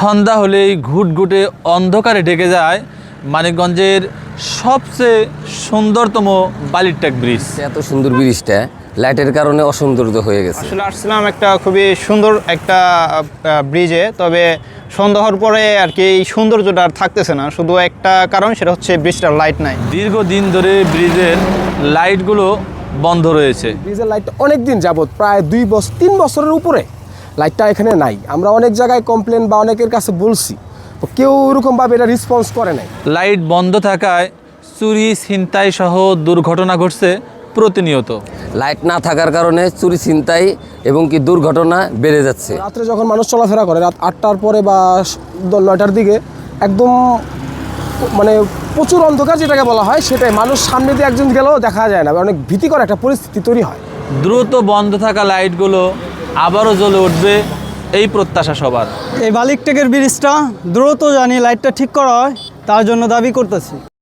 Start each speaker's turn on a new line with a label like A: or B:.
A: সন্ধ্যা হলেই ঘুটঘুটে অন্ধকারে ঢেকে যায় মানিকগঞ্জের সবচেয়ে সুন্দরতম বালিরটেক ব্রিজ।
B: এত সুন্দর ব্রিজটা লাইটের কারণে অসৌন্দর্য হয়ে গেছে।
C: আসলে আসছিলাম একটা খুবই সুন্দর একটা ব্রিজে, তবে সন্ধ্যা হওয়ার পরে আর কি এই সৌন্দর্যটা আর থাকতেছে না। শুধু একটা কারণ, সেটা হচ্ছে ব্রিজটার লাইট নাই।
A: দীর্ঘদিন ধরে ব্রিজের লাইটগুলো বন্ধ রয়েছে।
D: ব্রিজের লাইটটা অনেক দিন যাবত, প্রায় 2-3 বছরের উপরে লাইটটা এখানে নাই। আমরা অনেক জায়গায় কমপ্লেন বা অনেকের কাছে বলছি, তো কেউ ওরকমভাবে এটা রেসপন্স করে নাই।
A: লাইট বন্ধ থাকায় চুরি ছিনতাই সহ দুর্ঘটনা ঘটছে প্রতিনিয়ত।
B: লাইট না থাকার কারণে চুরি ছিনতাই এবং কি দুর্ঘটনা বেড়ে যাচ্ছে।
D: রাত্রে যখন মানুষ চলাফেরা করে রাত 8টার পরে বা 9টার দিকে, একদম মানে প্রচুর অন্ধকার যেটাকে বলা হয়, সেটাই মানুষ সামনে দিয়ে একজন গেলেও দেখা যায় না, অনেক ভীতিকর একটা পরিস্থিতি তৈরি হয়।
A: দ্রুত বন্ধ থাকা লাইটগুলো আবারও জ্বলে উঠবে এই প্রত্যাশা সবার।
E: এই বালিরটেকের ব্রিজটা দ্রুত জানি লাইটটা ঠিক করা হয়, তার জন্য দাবি করতেছি।